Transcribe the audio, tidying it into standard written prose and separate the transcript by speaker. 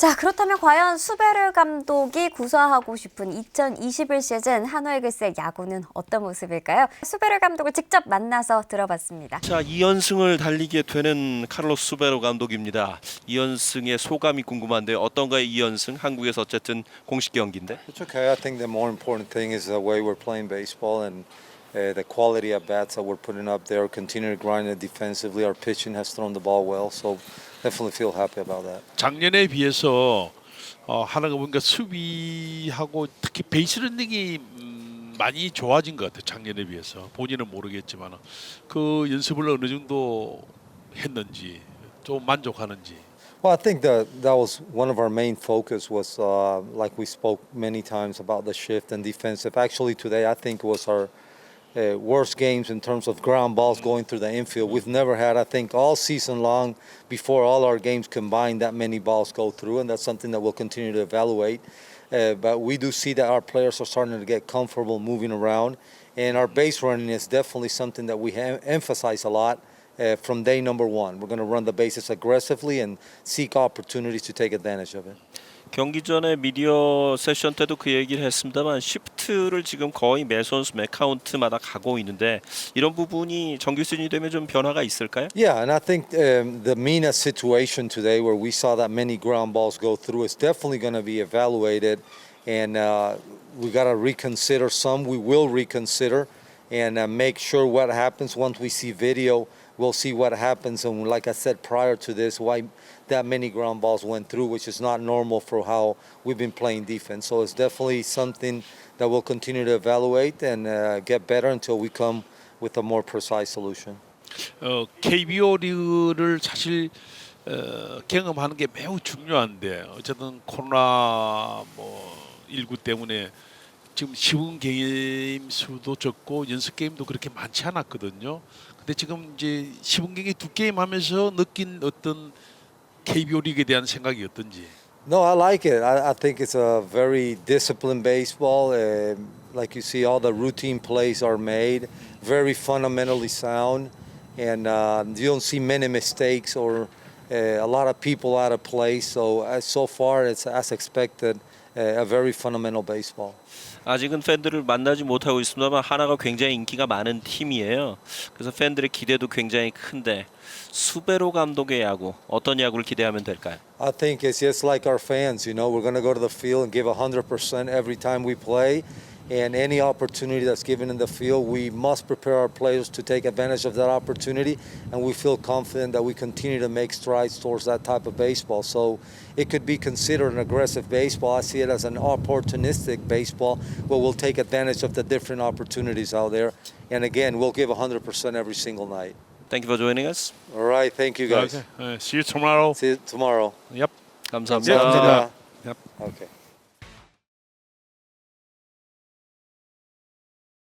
Speaker 1: 자, 그렇다면 과연 수베르 감독이 구사하고 싶은 2021 시즌 한화 이글스의 야구는 어떤 모습일까요? 수베르 감독을 직접 만나서 들어봤습니다.
Speaker 2: 자, 2연승을 달리게 되는 카를로스 수베르 감독입니다. 2연승의 소감이 궁금한데 어떤가요? 2연승 한국에서 어쨌든 공식 경기인데.
Speaker 3: It's okay. I think the more important thing is the way we're playing baseball and the quality of bats that we're putting up there. Continue to grind it defensively. Our pitching has thrown the ball well, so definitely feel happy about that.
Speaker 4: 작년에 비해서 하나가 보니까 수비하고 특히 베이스 런닝이 많이 좋아진 것 같아요. 작년에 비해서 본인은 모르겠지만 그 연습을 어느 정도 했는지 좀 만족하는지.
Speaker 3: Well, I think that was one of our main focus was like we spoke many times about the shift and defensive. Actually, today I think was our worst games in terms of ground balls going through the infield. We've never had, I think, all season long before all our games combined that many balls go through, and that's something that we'll continue to evaluate. But we do see that our players are starting to get comfortable moving around, and our base running is definitely something that we emphasize a lot. From day number one, we're going to run the bases aggressively and seek opportunities to take advantage of it.
Speaker 2: 경기 전에 미디어 세션 때도 그 얘기를 했습니다만 시프트를 지금 거의 매 선수 매 카운트마다 가고 있는데 이런 부분이 정규 시즌이 되면 좀 변화가 있을까요?
Speaker 3: Yeah, and I think the Mina situation today where we saw that many ground balls go through is definitely going to be evaluated, and we got to reconsider some. We will reconsider and make sure what happens once we see video. We'll see what happens, and like I said prior to this, why that many ground balls went through, which is not normal for how we've been playing defense. So it's definitely something that we'll continue to evaluate and get better until we come with a more precise solution.
Speaker 4: KBO 리그를 사실 경험하는 게 매우 중요한데 어쨌든 코로나 19 때문에 지금 시범 게임 수도 적고 연습 게임도 그렇게 많지 않았거든요. 근데 지금 이제 시범 경기 두 게임 하면서 느낀 어떤 KBO 리그에 대한 생각이 어떤지.
Speaker 3: No, I like it. I think it's a very disciplined baseball. Like you see, all the routine plays are made, very fundamentally sound, and you don't see many mistakes or a lot of people out of place. So far, it's as expected, a very fundamental baseball.
Speaker 2: 아직은 팬들을 만나지 못하고 있습니다만 하나가 굉장히 인기가 많은 팀이에요. 그래서 팬들의 기대도 굉장히 큰데 수베로 감독의 야구 어떤 야구를 기대하면 될까요?
Speaker 3: I think it's just like our fans. You know, we're going to go to the field and give 100% every time we play. And any opportunity that's given in the field, we must prepare our players to take advantage of that opportunity. And we feel confident that we continue to make strides towards that type of baseball. So it could be considered an aggressive baseball. I see it as an opportunistic baseball where we'll take advantage of the different opportunities out there. And again, we'll give 100% every single night.
Speaker 2: Thank you for joining us.
Speaker 3: All right. Thank you, guys.
Speaker 4: Okay. See you tomorrow.
Speaker 3: See you tomorrow.
Speaker 4: Yep.
Speaker 2: 감사합니다.
Speaker 3: 감사합니다.
Speaker 4: Yep.
Speaker 3: Okay.